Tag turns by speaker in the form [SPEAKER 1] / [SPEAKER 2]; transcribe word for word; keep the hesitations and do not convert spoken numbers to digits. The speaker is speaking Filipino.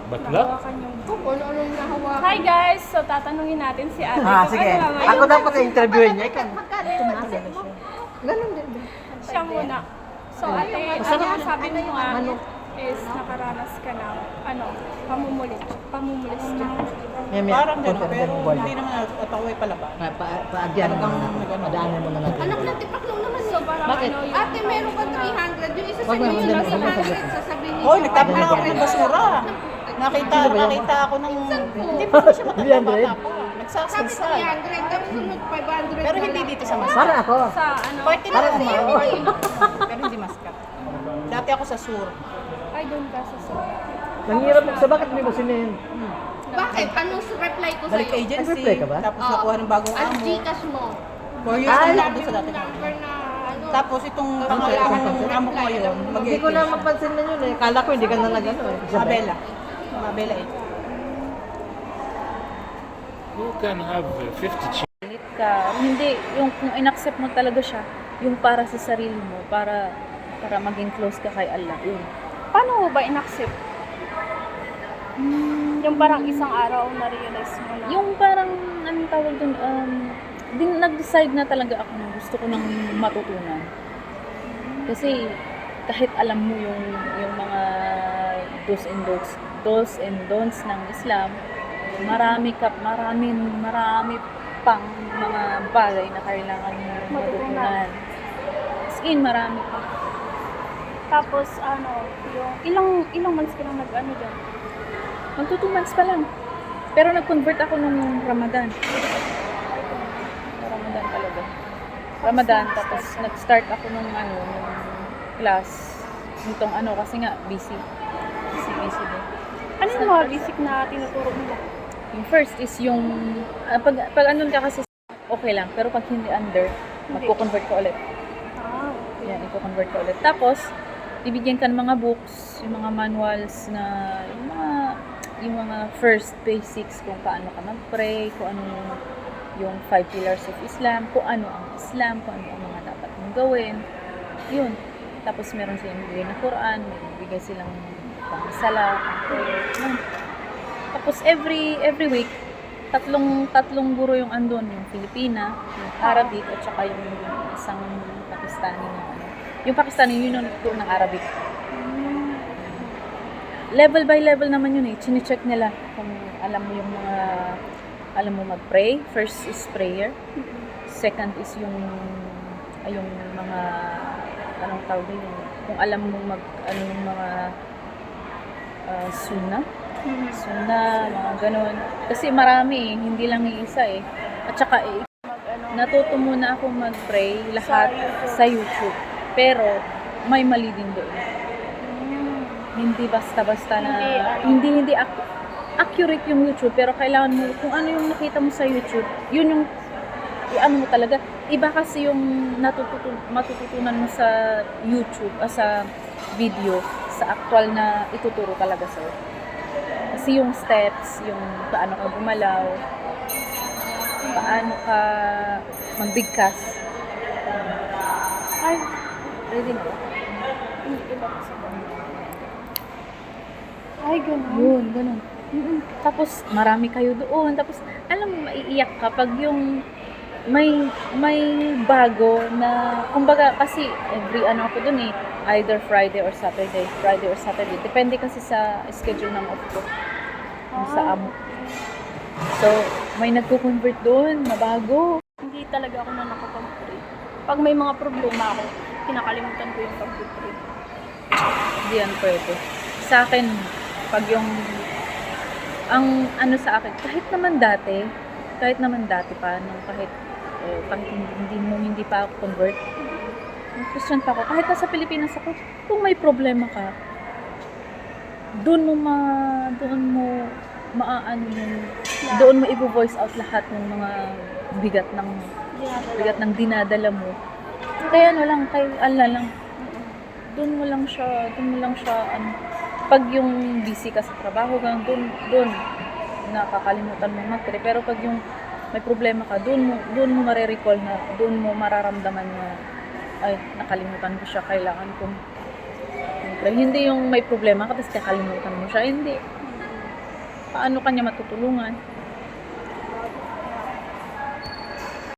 [SPEAKER 1] Bakla?
[SPEAKER 2] Nahawakan yung
[SPEAKER 3] Kung ano-anong nahawakan.
[SPEAKER 2] Hi guys! So tatanungin natin si ate
[SPEAKER 4] Ah,
[SPEAKER 2] kung
[SPEAKER 4] sige.
[SPEAKER 2] ano naman
[SPEAKER 4] Ako
[SPEAKER 2] yung-
[SPEAKER 4] dapat i-interviewin niya. Ikaw.
[SPEAKER 3] Magkano yung asset mo?
[SPEAKER 4] Ganun din.
[SPEAKER 2] Siya muna. So ate,
[SPEAKER 4] Masarap
[SPEAKER 2] ano
[SPEAKER 4] yan.
[SPEAKER 2] sabi mo nga
[SPEAKER 4] Ano?
[SPEAKER 2] is nakaranas ka ng ano, pamumulit. Pamumulit dyan.
[SPEAKER 4] May may
[SPEAKER 5] Parang gano'n,
[SPEAKER 4] content
[SPEAKER 5] pero
[SPEAKER 4] ng board.
[SPEAKER 5] hindi naman at ako ay palaban.
[SPEAKER 4] Pa- pa- Paadyan mo na. Padaanan mo na natin.
[SPEAKER 3] Anak na tipak lang naman.
[SPEAKER 2] So parang
[SPEAKER 4] Bakit?
[SPEAKER 2] ano yung...
[SPEAKER 3] Ate, meron ka three hundred. Yung isa sa
[SPEAKER 4] Wag mo,
[SPEAKER 3] inyo
[SPEAKER 4] wag
[SPEAKER 3] yun
[SPEAKER 4] mo,
[SPEAKER 3] nasa
[SPEAKER 4] wag mo,
[SPEAKER 3] one hundred.
[SPEAKER 4] wag mo.
[SPEAKER 3] Sasabihin niyo.
[SPEAKER 5] Hoy, nagtapon ako ng basura. Nakita,
[SPEAKER 4] Sino ba yun?
[SPEAKER 5] nakita ako ng...
[SPEAKER 3] po?
[SPEAKER 5] Hindi pa ko siya
[SPEAKER 4] three hundred?
[SPEAKER 5] matanda pa.
[SPEAKER 3] Sabi
[SPEAKER 5] Nagsasalsal.
[SPEAKER 3] three hundred. Tapos sunod five hundred.
[SPEAKER 5] Pero hindi dito sa Maskat.
[SPEAKER 4] Para ako.
[SPEAKER 2] Sa ano...
[SPEAKER 5] Party na
[SPEAKER 4] Parang
[SPEAKER 5] ako
[SPEAKER 4] ako.
[SPEAKER 5] ma. Pero hindi Maskat. Dati ako sa Sur.
[SPEAKER 2] Ay, doon ka sa so.
[SPEAKER 4] Nanghirap sa bakit may kusinin?
[SPEAKER 3] Bakit? Anong reply ko
[SPEAKER 5] Balik
[SPEAKER 3] sa'yo?
[SPEAKER 5] agency.
[SPEAKER 4] Nag-reply ka ba?
[SPEAKER 5] Tapos nakuha ng bagong
[SPEAKER 3] Ang
[SPEAKER 5] amo.
[SPEAKER 3] Gcash mo.
[SPEAKER 5] Four years
[SPEAKER 4] Ay,
[SPEAKER 5] na
[SPEAKER 3] Sabi
[SPEAKER 5] doon sa
[SPEAKER 3] mo
[SPEAKER 5] dati.
[SPEAKER 3] number na ano.
[SPEAKER 5] Tapos itong
[SPEAKER 3] Wala
[SPEAKER 5] pangalaman
[SPEAKER 3] kang
[SPEAKER 5] ng amo ko ngayon, mag
[SPEAKER 4] Hindi ko na mapansin na yun eh. Kala ko hindi ka na nag-ano eh.
[SPEAKER 5] Mabela. Mabela eh.
[SPEAKER 1] Who can have uh, fifty children?
[SPEAKER 6] Galit ka. Hindi, yung kung in-accept mo talaga siya, yung para sa sarili mo, para para maging close ka kay Allah. Yun.
[SPEAKER 2] Paano mo ba in-accept? Yung parang isang araw na-realize mo na...
[SPEAKER 6] Yung parang, anong tawag dun, um, din, nag-decide na talaga ako na gusto ko nang matutunan. Kasi, kahit alam mo yung, yung mga do's and don'ts, do's and don'ts ng Islam, marami ka, marami, marami pang mga bagay na kailangan mo matutunan. As in, marami pa.
[SPEAKER 2] Tapos ano, yung ilang ilang months ka lang nag-ano dyan?
[SPEAKER 6] Magto two months pa lang. Pero nag-convert ako nung Ramadan. Ramadan talaga. Ramadan, tapos nag-start ako nung ano, nung class. Nitong ano, kasi nga, busy. Busy, busy din.
[SPEAKER 2] Ano yung mga basic na tinuturo nila?
[SPEAKER 6] Yung first is yung, ah, pag, pag ano ka kasi, okay lang. Pero pag hindi under, magko-convert ka ulit.
[SPEAKER 2] Ah,
[SPEAKER 6] Yan, i-convert ka ulit. Tapos, bibigyan ka ng mga books, yung mga manuals na, yung mga, yung mga first basics kung paano ka mag-pray, kung ano yung, yung five pillars of Islam, kung ano ang Islam, kung ano ang mga dapat mong gawin. Yun. Tapos meron silang bigay na Quran, may bigay silang pang-sala, pang-prayer. Yun. Tapos every every week, tatlong tatlong guro yung andun, yung Filipina, yung Arabic, at saka yung isang Pakistani na ano. Yung Pakistani, yun yung nagturo ng Arabic. Level by level naman yun eh. Chine-check nila kung alam mo yung mga, alam mo mag-pray. First is prayer. Second is yung, ay yung mga, anong tawag yun, yung, kung alam mo mag, ano yung mga uh, sunnah. Sunnah, mga ganun. Kasi marami eh, hindi lang iisa eh. At saka eh, natuto muna ako mag-pray lahat sa YouTube. Pero may mali din doon. Hindi basta-basta na hindi hindi ac- accurate yung YouTube, pero kailangan mo kung ano yung nakita mo sa YouTube, yun yung i-ano mo talaga. Iba kasi yung natututu matututunan mo sa YouTube, ah, sa video, sa actual na ituturo talaga sa'yo. Kasi yung steps, yung paano ka gumalaw, paano ka magbigkas.
[SPEAKER 2] ay,
[SPEAKER 6] Ready na ba?
[SPEAKER 2] hindi iba kasi. Ay, ganun.
[SPEAKER 6] Yun, ganun. Mm-mm. Tapos, marami kayo doon. Tapos, alam mo, maiiyak ka pag yung may may bago na, kumbaga, kasi every ano ako doon eh, either Friday or Saturday. Friday or Saturday. Depende kasi sa schedule ng off ko. Yung sa amo. So, may nagko-convert doon, mabago.
[SPEAKER 2] Hindi talaga ako na nakapag-pray. Pag may mga problema ako, kinakalimutan ko yung pag-pray.
[SPEAKER 6] Hindi yan pwede. Sa akin, pag yung, ang ano sa akin, kahit naman dati, kahit naman dati pa, nung kahit, eh, kahit hindi, hindi mo, hindi pa ako convert, nung Christian pa ako, kahit nasa Pilipinas ako, kung may problema ka, doon mo ma, doon mo, maaano yung, doon mo i-voice out lahat ng mga bigat ng, bigat ng dinadala mo. Kaya ano lang, kay Allah lang, doon mo lang siya, doon mo lang siya, ano, pag yung busy ka sa trabaho, gang doon, doon, nakakalimutan mo mag-pray. Pero pag yung may problema ka, doon mo, doon mo mare-recall na, doon mo mararamdaman na, ay, nakalimutan ko siya, kailangan kong mag-pray. Hindi yung may problema ka, tapos kakalimutan mo siya, hindi. paano kanya matutulungan.